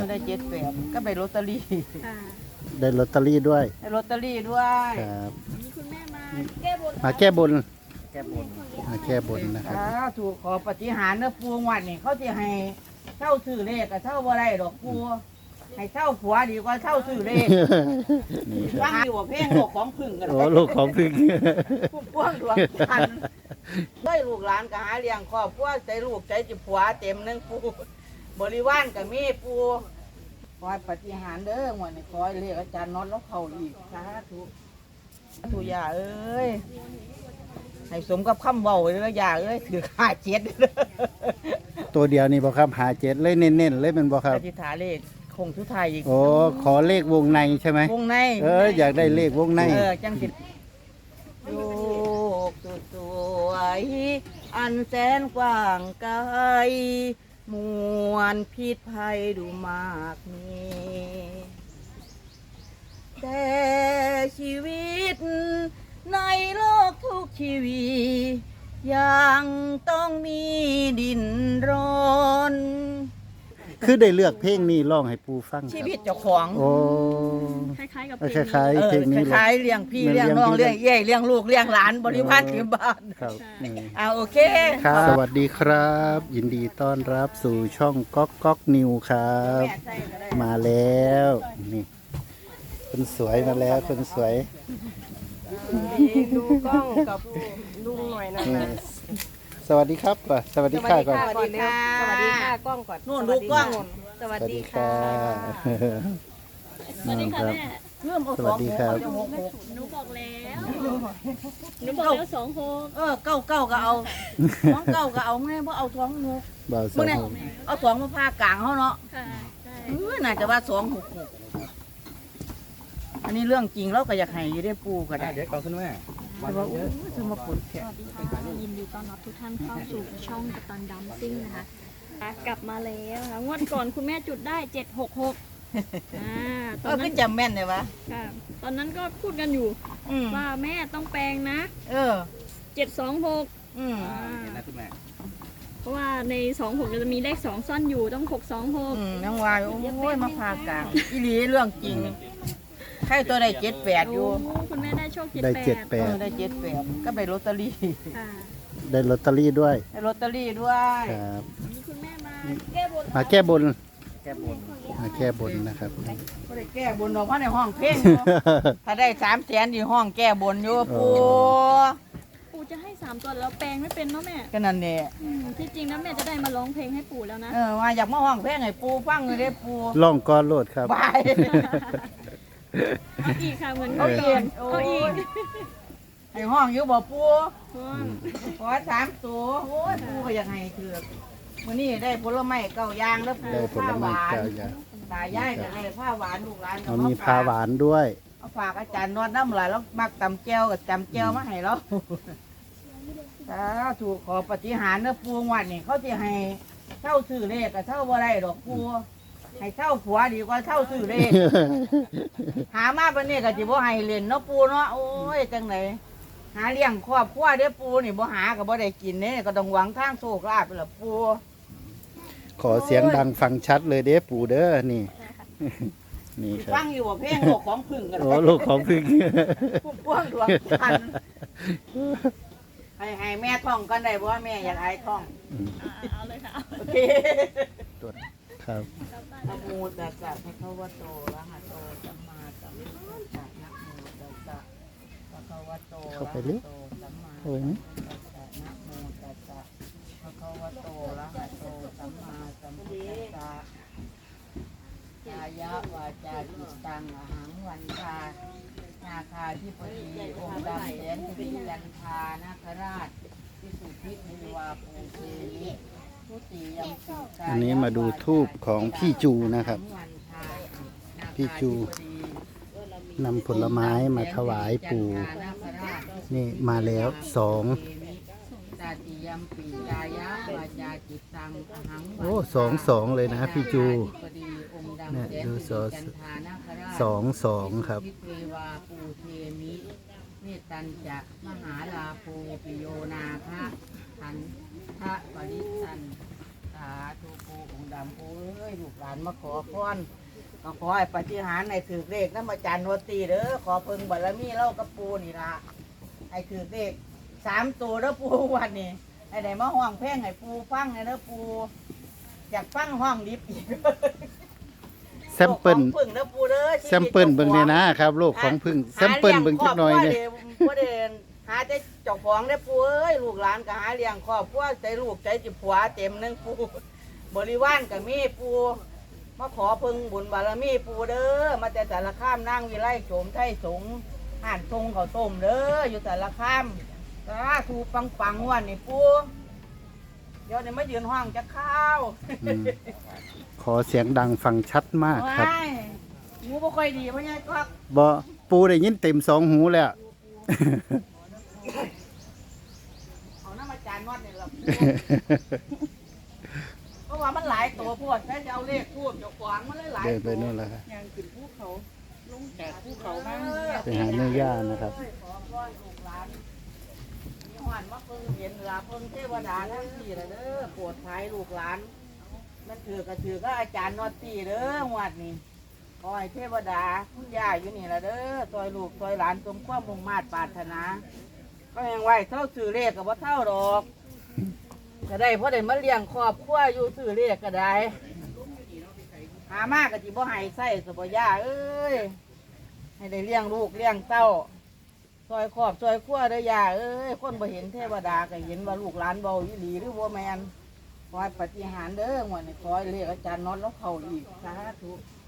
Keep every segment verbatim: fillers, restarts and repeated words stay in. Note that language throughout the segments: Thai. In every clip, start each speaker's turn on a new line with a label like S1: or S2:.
S1: ได้เจ็ดแปดก็ไปลอตเตอรี่
S2: ได้ลอตเตอรี่ด้วย
S1: ได้ลอตเตอรี่ด้วย
S2: ครับ
S3: มีคุณแม่มาแก้บน
S2: มาแก้บน
S1: แก้บน
S2: มาแก้บนนะครับ
S1: ถูกขอปฏิหารเนื้อปูวันนี่เขาจะให้เช่าซื้อเลขกับเช่าบ่ได้ดอกปูให้เช่าผัวดีกว่าเช่าซื้อเลขฟังอยู่ว่าเพลงโลกของพึ่งกัน
S2: โอ้โลกของพึ่ง
S1: พุ่มพวงดวงจันทร์ด้วยลูกหลานก็หาเลี้ยงครอบครัวใจลูกใจจิผัวเต็มนึงปูบริวารกับมีปูขอปฏิหารเด้อวันนี้ขอเรียกอาจารย์น็อตแล้วเขาอีกสาธุทุยาเอ้ยให้สมกับคำเบาเลยยาเอ้ยถือขาเจ็ด
S2: ตัวเดียวนี่บอกครับหาเจ็ดเลยเน้นๆเลยเป็นบอกครับ
S1: อธิษฐานเลขคงทุไทยอีก
S2: โอ้ขอเลขวงในใช่ไหม
S1: วงใน
S2: เอออยากได้เลขวงใน
S1: เออจังสิลูกสวยอันแสนกว้างไกลมวลพิษภัยดูมากมีแต่ชีวิตในโลกทุกชีวิตยังต้องมีดินรน
S2: คือได้เลือกเพลงนี้ร้องให้ปูฟัง
S1: ชีวิตเจ้าของ
S2: โอ้
S3: คล้ายๆกับ
S2: คล้ายๆเพลงนี้
S1: คล้ายๆเลี้ยงพี่เลี้ยงน้องเลี้ยงเย่เลี้ยงลูกเลี้ยงหลานบริวารที่บ้าน
S2: ครับ
S1: อ่าโอเค
S2: ครับสวัสดีครับ ยินดีต้อนรับสู่ช่องก๊อกก๊อกนิวครับมาแล้วนี่คนสวยมาแล้วคนสวย
S3: ดูกล้องกับลุงหน่อยนะ
S2: สวัสดีครับก่อนสวัสดีค่ะก่อน
S1: สวัสดีค่ะ
S3: สวัสดีค่ะกล้องก่อน
S1: นู่นดูกล้อง
S3: สวัสดีค่ะสวัสดีค่ะแม่
S1: เริ่มเอาสองหก
S3: หนูบอกแล้วหนูบอกแล้วสองหก
S1: เออเก้าเก้าก็เอาสองเก้าก็เอาแม่เพราะเอาสองหก
S2: บ่าวสอง
S1: เอาสองมาพากลางเขาเนาะ
S3: ค่ะใช่
S1: เออน่าจะว่าสองหกหกอันนี้เรื่องจริงเราก็อยากให้อยู่ได้ปูก็ได้
S4: เดี๋ยวก่อนคุณแม่
S1: วันว่าจะมาปลุกแขก
S3: สวัสดีค่ะยินดีต้อนรับทุกท่านเข้าสู่ช่องกัปตันดัมซิ่งนะคะกลับมาแล้วค่ะงวดก่อนคุณแม่จุดได้เจ็ดหกหกอ่า
S1: ตอนนั้นจำแม่นเลยวะ
S3: ค่ะตอนนั้นก็พูดกันอยู่ว่าแม่ต้องแปลงนะ
S1: เออ
S3: เจ็ดสองหก
S1: อืม
S4: นะคุณแม่
S3: เพราะว่าในสองหกจะมีเลขสองซ่อนอยู่ต้องหกสองหก
S1: อืมยังวายโอ้ยมาพากลางอีหลีเรื่องจริงใครตัวได้เจ็ดแปดอยู่
S3: คุณแม่ได้โชคเจ็ด
S2: ได้เจ็ด
S3: แป
S2: ด
S1: ได้เจ็ดแปดก็ไปลอตเตอรี่
S2: ได้ลอตเตอรี่ด้วย
S1: ได้ลอตเตอรี่ด้วย
S2: ครับ
S3: คุณแม่มาแก้บน
S2: มาแก้บน
S1: แก้บน
S2: มาแก้บนนะครับ
S1: ก็ได้แก้บนออกมาในห้องเพลงถ้าได้สามแสนอยู่ห้องแก้บนอยู่ปู
S3: ปู่จะให้สามตัวแล้วแปลงไม่เป็นเนาะแม่
S1: ก็นั่นเนี่ย
S3: ที่จริงแล้วแม่จะได้มาร้องเพลงให้ปู่แล้วนะ
S1: เออว่าอยากมาห้องเพลงให้ปูฟังเลยเด้ปู
S2: ร้องก้อนโลดครับ
S1: ไป
S3: อีกค่ะเหมือนเขาเอียนเขาอีก
S1: ให้ห้องอยู่บ่ปูขอสามตัวโอ้ยปูก็อยากให้เถือกวันนี้ได้ผลไม้เก้าอย่างแล้วปูผ้าหวานตายายก็ได้ผ้าหวานลูกหลาน
S2: ก็มีผ้าหวานด้วย
S1: เอาฝากอาจารย์นวดน้ำไหลแล้วมักตำแก้วกับตำแก้วมาให้เราถ้าถูกขอปฏิหารเนื้อปูวันนี่เขาจะให้เช่าซื้อเลขกับเช่าบ่ได้ดอกปูให้เช่าผัวดีกว่าเช่าซื้อเลขหามาเป็นนี่ก็จะบ่ให้เล่นเนาะปูเนาะโอ้ยจังไหนหาเลี้ยงครอบครัวเด้อปูนี่บ่หาก็บ่ได้กินเนี่ยก็ต้องหวังทางโชคลาภไปละปู
S2: ขอเสียงดังฟังชัดเลยเด้อปูเด้อนี่นี่ครับ
S1: ฟังอยู่ว่าเพลงโลกของพึ่งกัน
S2: โอ้โลกของพึ่ง
S1: พุ่มพวงดวงจันทร์ให้ให้แม่ท่องกันได้เพราะว่าแม่อยากไอ้ท่อง
S3: เอาเลยค่ะ
S1: โอเค
S2: ครับ
S1: นะโมตัสสะภะคะวะโตอะระหะโตสัมมาสัมพุทธัสสะนะโมตัสสะภะคะวะโตอะระหะโตสัมมาสัมพุทธัสสะนะโมตัสสะภะคะวะโตอะระหะโตสัมมาสัมพุทธัสสะกายะวาจาจิตตังอหังวันทานาคาธิปดีองค์ดำแสนสิริจันทานาคราชพิสุทธินิวาภูเทนิ
S2: อันนี้มาดูทูบของพี่จูนะครับพี่จูนำผลไม้มาถวายปู่นี่มาแล้วสองโอ้สองสองเลยนะพี่จูเนี่ยดูสองสองสองครับ
S1: เมตัญจะมหาลาภูปิโยนาคะทันทะปริสันตาาธุปูองค์ดำปูเอ้ยลูกหลานมาขอพรก็ขอให้ปฏิหารย์ในถือเลขน้ำอาจารย์โนตีเด้อขอเพิ่งบารมีเล่ากับปูนี่ละให้ถือเลขสามตัวเด้อปูวันนี้ให้ได้มาห้องเพลงให้ปูฟังเด้อปูอยากฟังห้องดิบอีก
S2: แซมเปิล
S1: โลกของพึ่งเด้อปูเด้อ
S2: แซมเปิลเบิ่งเนี่ยนะครับโลกของพึ่งแซมเปิลเบิ่งจักหน่อยเนี่ย
S1: บ่ได้หาแต่เจ้าของได้อปูเอ้ยลูกหลานก็หาเลี้ยงครอบครัวใจลูกใจจิผัวเต็มหนึงปูบริวารก็มีปูมาขอเพิ่งบุญบารมีปูเด้อมาแต่สารคามนั่งวิไลโฉมไทยสงฆ์ห่านทรงเขาวต้มเด้ออยู่สารคามสาธุปังปังๆวันนี่ปูเดี๋ยวนี้มายืนห้องจะข้าว
S2: อืมขอเสียงดังฟังชัดมากครับ
S1: ว้ายหูบ่ค่อยดีเพราะไงก็
S2: บ่ปูได้ยินเต็มสองหูแล้ว
S1: เอาน้ำอาจารย์นวดเนี่ยเรา เพราะว่ามันหลายตัวพวดแค่จะเอาเลขพูดเดี๋ยวขวางมันเลยหลาย
S2: เดิน
S1: ตัว
S2: ไปนู่นแล้วครับ
S1: ยังขึ้นภูเขาลงจากภูเขามา
S2: ไปหาแม่ย่านะครับ
S1: ขอพรลูกหลานมีหวานมาเพิ่งเห็นลาเพิ่งเทวดาทั้งสี่ละเด้อโปรดภัยลูกหลานมันถือกระถือก็อาจารย์นอตตี้เด้อหวัดนี่ขอให้เทวดาคุณย่าอยู่นี่ละเด้อซอยลูกซอยหลานสมความมุ่งมา่ปรารถนา ก็ยังไหวเท่าซื้อเลขกับว่าเท่าดอกก็ได้เพราะได้มาเลี้ยงครอบครัวอยู่ซื้อเลขก็ได้หามากกะจิบ่ให้ใส่สบย่าเอ้ยให้ได้เลี้ยงลูกเลี้ยงเต้าซอยครอบซอยครัวเด้อย่าเอ้ยคนบ่เห็นเทวดาก็เห็นว่าลูกหลานเบาอีหลีหรือบ่แมนขอให้ปฏิหารย์เด้อหมดนี่ขอให้เลขอาจารย์น็อตแล้วเข้าอีกสาธุ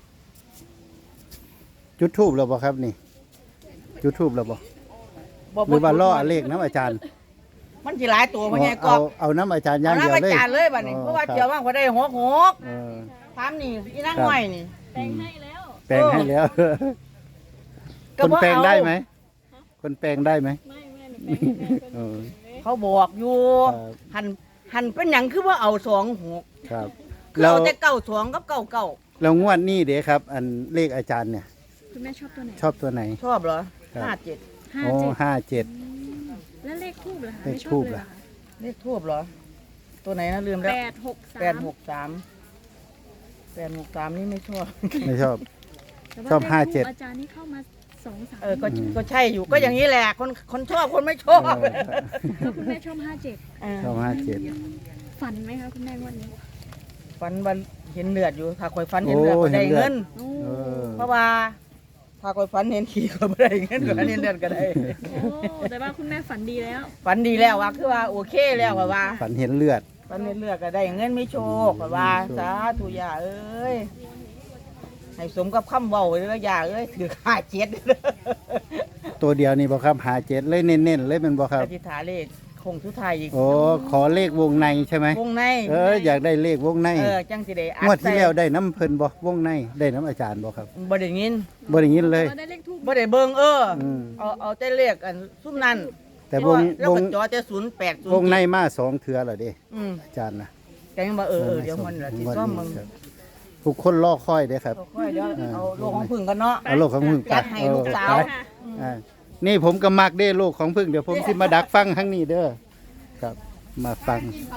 S2: จุดทูบแล้วบ่ครับนี่ จุดทูบแล้วบ่
S1: บ่
S2: หรือว่าล่อเลขน้ำอาจารย์
S1: มันสิหลายตัวบ่ไงก
S2: เอา
S1: อบ
S2: เอาน้ำอาจารย์อ
S1: เอา
S2: ย่างเดียว
S1: น้ำอา
S2: เลย
S1: จารย์เลยบัดนี้เพราะว่าเจียวว่างพอได้หกหก
S2: เออ
S1: ถามนี่อีนั่งหน่อยนี่
S3: แปลงให้แล้ว
S2: แปลงให้แล้ว คนแปลงได้ไหม คนแปลงได้ไหม
S3: ไม่แม่หนูแปลงให้แม่เป็น
S2: เออ
S1: เขาบอกอยู่
S2: ครับ
S1: หันหันเป็นอย่างคือว่าเอาสองหก
S2: ครับ
S1: คือ
S2: แล้ว
S1: เอาแต่เก้าสองกับเก้าเก้า
S2: แล้วงวดนี้เด้ครับ อันเลขอาจารย์เนี่ย
S3: คุณแม่ชอบตัวไหน
S2: ชอบตัวไหน
S1: ชอบเหรอ
S2: ครับ
S1: ห้าเจ็ด
S3: ห้า
S2: โอ้
S3: เจ็ด
S2: ห้าเจ็ด
S3: แล้วเลขทูบเหรอคะ
S2: เลข
S3: ไม่ช
S2: ทู
S3: อ
S2: บบ
S3: เลย
S2: เหรอ
S3: เหรอคะ
S1: เลขทูบเหรอ ตัวไหนนะลืมแล้ว
S3: แปดหกสาม
S1: แปดหกสามแปดหกสามนี่ไม่ชอบ
S2: ไม่ชอบ
S3: แต่ว่
S2: ชอบ
S3: ลข
S2: ห้าเจ็ด
S3: ทูบอาจารย์นี่เข้ามาสองสาม
S1: เออก็ก็ใช่อยู่ก็อย่างนี้แหละคนคนชอบคนไม่ชอบ
S2: เออ
S3: แล้วคุณแม่ชอบห้าเจ็ด
S1: เออ
S2: ชอบห้าเจ็ด
S3: ฝันไหมคะคุณแม่งวันนี้
S1: ฟันวันเห็นเลือดอยู่ถ้าคอยฟันเห็นเลือดก็ได้เงิน
S3: โอ้
S2: เออ
S1: เพราะว่า ถ้าคอยฟันเห็นขี่ก็ไม่ได้เงินก็เห็นเลือดก็ได้
S3: โอ้แต่ว่าคุณแม่ฝันดีแล้ว
S1: ฝันดีแล้วว่าคือว่าโอเคแล้วว่าว่า
S2: ฝันเห็นเลือด
S1: ฝันเห็นเลือดก็ได้เงินไม่โชคว่าว่าสาธุย่าเอ้ยให้สมกับคำเว้าเลยนะย่าเอ้ยถือค่าเจ็ด
S2: ตัวเดียวนี่บ่ครับหาเจ็ดเลยเน้นๆเลยเป็นบ่ครับ
S1: อธิษฐานเลขคงทุกทายอีก
S2: โอ้ขอเลขวงในใช่ไหม
S1: วงใน
S2: เอออยากได้เลขวงใน
S1: เออจังสิได้อั
S2: งวดที่แล้วได้น้ำเพิ่นบ่วงในได้น้ำอาจารย์บ่ครับ
S1: บ่ได้ยิน
S2: บ่ได้ยินเลย
S3: ก็ได้เลขทูบ
S1: บ่ได้เบิ่งเอออ
S2: ม
S1: เอาเอาแต่เลขอันซุ่มนั้น
S2: แต่วง
S1: แล้ว
S2: ว
S1: ก็
S2: ง
S1: จอแต่ศูนย์แปดศูนย์
S2: วงในมาสองเทื่อแล้วเด้
S1: อืม
S2: อาจารย์นะ
S1: แต่ยังบ่เออเออเดี๋ยวมันละสิซ่อมมึง
S2: ครับทุกคนรอคอยเด้ครับ
S1: ค่อยเดี๋ยวเอาโลกของพึ่งกันเนาะ
S2: เอาโลกของพึ่ง
S1: จัดให้ลูกสาว
S2: เออไปอ่านี่ผมก็มักเด้โลกของพึ่งเดี๋ยวผมสิมาดักฟังข้างนี้เด้อครับ มาฟัง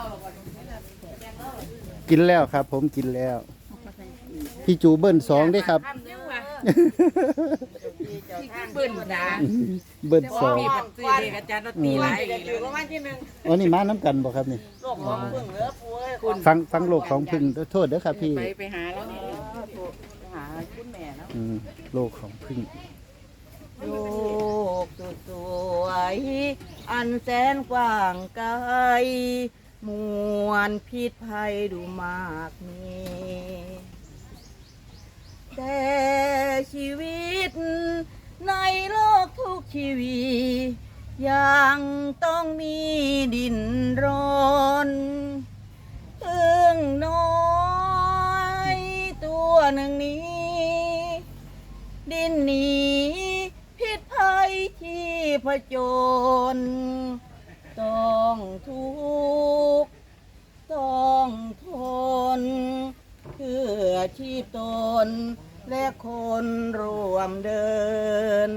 S2: กินแล้วครับ ผมกินแล้ว พี่จูเบิ้ลสองเด้ครับ
S1: เบิ้ลนะ
S2: เบิ้ลสอง
S1: มีปัจจัยอาจารย์ตีหลายอยู่ประมาณที่หนึ่ง
S2: อ๋อนี่มาน้ำกันบ่ครับนี่
S1: โลกของพึ่งเหลือป่วยคุณ
S2: ฟังฟังโลกของพึ่งโทษเด้อครับพี่
S1: ไปไปหาแล้วนี่หาคุณแม่เนาะ
S2: อืมโลกของพึ่ง
S1: โลกสุดสวยอันแสนกว้างไกลมวลพิษภัยดูมากมีแต่ชีวิตในโลกทุกชีวิตยังต้องมีดินรนเอื้องน้อยตัวหนึ่งนี้ ดินหนีพิษภัยที่ผจญต้องทุกข์ต้องทนเพื่อชีพตนและคนร่วมเดิน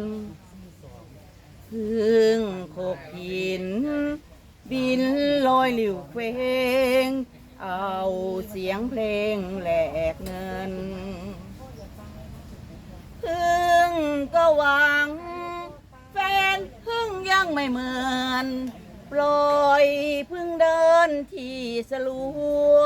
S1: พึ่งโขกหิน บินลอยหลิวเฟงเอาเสียงเพลงแหลกเงินพึ่งก็หวังแฟนพึ่งยังไม่เหมือนปล่อยพึ่งเดินที่สลัว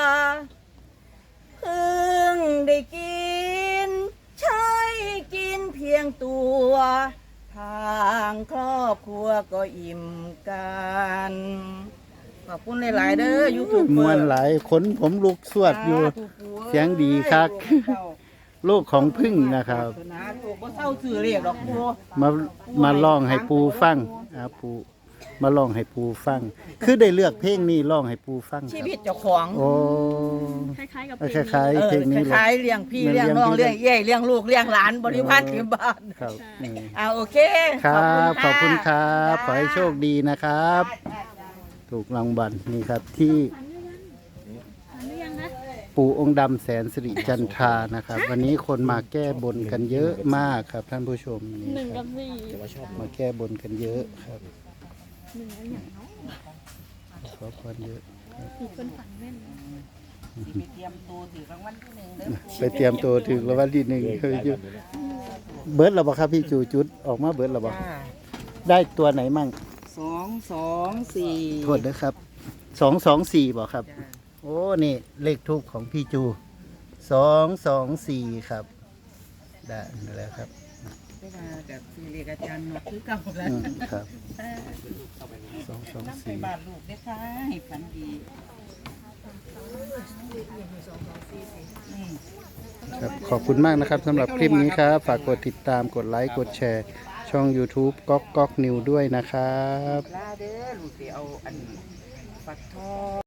S1: พึ่งได้กินใช้กินเพียงตัวทางครอบครัวก็อิ่มกันขอบคุณหลายๆเด้อยูทูบ
S2: มวนหลายขนผมลุกสวดอยู่ เสียงดีคัก โลกของพึ่งนะครับ
S1: นะถูกบ่เศร้าสื่อเรียกดอกปู
S2: มามาลองให้ปูฟังอ่าปูมาลองให้ปูฟัง คือได้เลือกเพลงนี้ลองให้ปูฟังค
S1: ชี
S2: รับ
S1: วิตเจ้าของ
S2: โอ้
S3: คล้ายๆกับ
S2: เออ
S3: เพลง
S2: คล้าย
S1: เอ
S2: ๆ
S1: อ
S2: เพลงนี้
S1: ค
S2: เลย
S1: ล้ายๆเลี้ยงพี่
S2: เหมือน
S1: เลี้ยงน้อง
S2: เลี้
S1: เลี้
S2: ย
S1: ย
S2: ง
S1: งเย่เลี้ยงลูกเลี้ยงหลานบริวารถึงบ้าน
S2: ครับนี่
S1: อ่าโอเค
S2: ครับขอบคุณค
S1: ะ
S2: รับขอให้โชคดีนะครับ ถูกรางวัลนี่ครับที่
S3: ฝันหรือยังนะ
S2: ปู่องค์ดำแสนสิริจันทรานะครับ วันนี้คนมาแก้บนกันเยอะมากครับท่านผู้ชมนี่
S3: หนึ่ง
S2: ครั
S3: กั
S2: บบ
S3: สี่
S2: มาแก้บนกันเยอะครับ
S3: หนึ่งอะไรอย่างเนาะ
S2: ขอพรเยอะ
S3: สี่คนฝันแม่น
S1: สิไปเตรียมตัวถือรางวัลที่หนึ่งเด้อ
S2: ไปเตรียมตัวถึงรางวัลที่หนึ่งเคยอยู่เบิร์ดเราบอกครับพี่จูจุดออกมาเบิร์ดเราบอก
S1: จ้า
S2: ได้ตัวไหนมั่ง
S1: สองสองสี่
S2: โทษนะครับสองสองสี่บอกครับ
S1: จ้า
S2: โอ้นี่เลขทูปของพี่จูสองสองสี่ครับได้แล้วครับ
S1: ได้มากับสี่เรียกอาจารย์หนวดคือเก่าแล้ว
S2: อืมครับสองสอง
S1: น้ำไป
S2: สี่
S1: บ้านลูกได้ค่ะให้ฝันดีอืม
S2: ครับขอบคุณมากนะครับสำหรับคลิปนี้ครับ ฝากกดติดตามกดไลค์กดแชร์ ช่อง YouTube ก๊อกก๊อกนิวด้วยนะครับ
S1: ลาเด้อลูกสิเอาอันปักทอง